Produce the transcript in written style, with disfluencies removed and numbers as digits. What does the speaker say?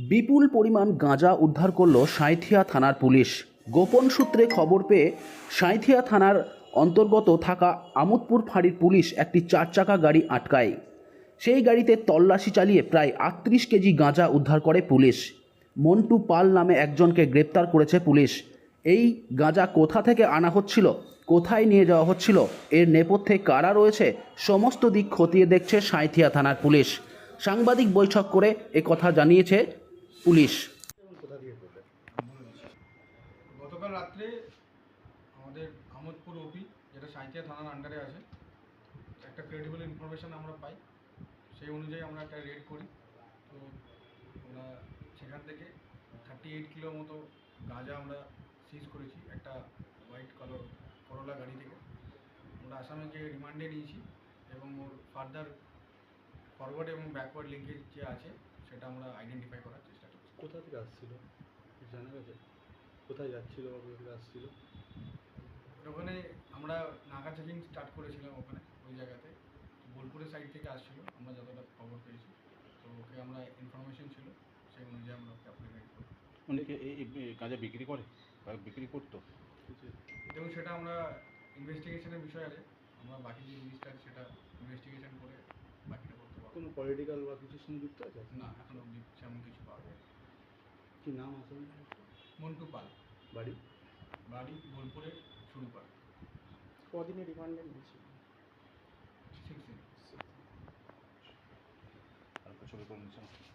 বিপুল পরিমাণ গাঁজা উদ্ধার করল সাঁইথিয়া থানার পুলিশ। গোপন সূত্রে খবর পেয়ে সাঁইথিয়া থানার অন্তর্গত থাকা আমোদপুর ফাঁড়ির পুলিশ একটি 4 চাকা গাড়ি আটকায়। সেই গাড়িতে তল্লাশি চালিয়ে প্রায় 38 কেজি গাঁজা উদ্ধার করে পুলিশ। মন্টু পাল নামে একজনকে গ্রেপ্তার করেছে পুলিশ। এই গাঁজা কোথা থেকে আনা হচ্ছিল, কোথায় নিয়ে যাওয়া হচ্ছিল, এর নেপথ্যে কারা রয়েছে, সমস্ত দিক খতিয়ে দেখছে সাঁইথিয়া থানার পুলিশ। সাংবাদিক বৈঠক করে একথা জানিয়েছে পুলিশ। গতকাল রাত্রে আমাদের আমোদপুর ওপি, যেটা সাঁইথিয়া থানার আন্ডারে আছে, একটা ক্রেডিবল ইনফরমেশান আমরা পাই। সেই অনুযায়ী আমরা একটা রেড করি। তো আমরা সেখান থেকে 38 কিলো মতো গাঁজা আমরা সিজ করেছি একটা হোয়াইট কালার করোলা গাড়ি থেকে। আমরা আসামিকে রিমান্ডে নিয়েছি এবং ওর ফার্দার ফরওয়ার্ড এবং ব্যাকওয়ার্ড লিঙ্কেজ যে আছে সেটা আমরা আইডেন্টিফাই করার চেষ্টা করছি। কোথা থেকে আসছিল জানা গেছে? কোথায় যাচ্ছিল বা কোথা থেকে আসছিল? ওখানে আমরা নাকা চেকিং স্টার্ট করেছিলাম ওখানে, ওই জায়গাতে বোলপুরের সাইড থেকে আসছিল, আমরা যতটা খবর পেয়েছি। তো ওকে আমরা ইনফরমেশন ছিল, সেই অনুযায়ী আমরা ওকে অ্যাপ্লিকেট করি। অনেকে এই গাঁজা বিক্রি করে বা বিক্রি করতো। এবং সেটা আমরা ইনভেস্টিগেশনের বিষয় আছে, আমরা বাকি যে জিনিসটা আছে সেটা ইনভেস্টিগেশন করে বাকিটা করতে পারবো। কোনো পলিটিক্যাল বা কিছুর সঙ্গে যুক্ত আছে? না, এখন অবধি সেমন কিছু পাওয়া যায়। কি নাম আসলে? মন্টু পাল, বাড়ি? বাড়ি বোলপুরের শুরু করে কদিনে রিমান্ডে নিয়েছি? 6 দিন। আর ছবি করে নিচ্ছে।